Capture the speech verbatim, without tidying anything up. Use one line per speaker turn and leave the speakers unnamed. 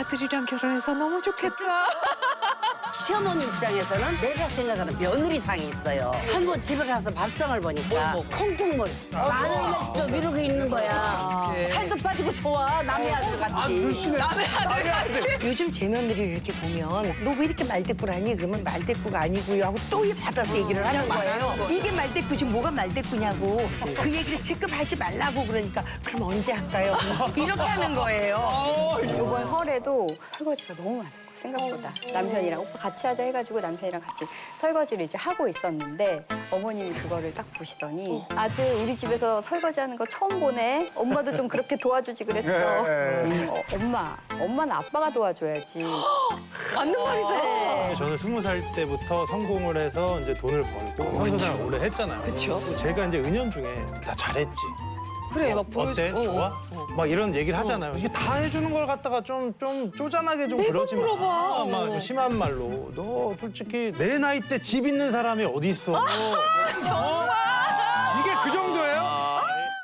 아들이랑 결혼해서 너무 좋겠다.
시어머니 입장에서는 내가 생각하는 며느리상이 있어요. 한 번 집에 가서 밥상을 보니까 콩국물, 마늘 맥주 이러고 있는 거야. 살도 빠지고 좋아, 남의 아들 같이.
남의 아들.
요즘 제 며느리를 이렇게 보면 너 왜 이렇게 말대꾸라니? 그러면 말대꾸가 아니고요 하고 또 받아서 얘기를 하는 거예요. 이게 말대꾸지 뭐가 말대꾸냐고. 그 얘기를 지금 하지 말라고 그러니까 그럼 언제 할까요? 이렇게 하는 거예요.
이번 설에도 설거지가 너무 많아요. 생각보다. 남편이랑 오빠 같이 하자 해가지고 남편이랑 같이 설거지를 이제 하고 있었는데 어머님이 그거를 딱 보시더니 아들 우리 집에서 설거지하는 거 처음 보네. 엄마도 좀 그렇게 도와주지 그랬어. 어, 엄마, 엄마는 아빠가 도와줘야지.
맞는 말이다.
저는 스무 살 때부터 성공을 해서 이제 돈을 벌고 선교사를 오래 했잖아요.
그쵸.
제가 이제 은연중에 나 잘했지.
그래, 막
어때?
보여줘.
좋아?
어, 어.
막 이런 얘기를 하잖아요. 이게 다 해주는 걸 갖다가 좀, 좀 쪼잔하게 좀 그러지 마.
물어봐.
막 좀 심한 말로. 너 솔직히 내 나이 때 집 있는 사람이 어디 있어? 어,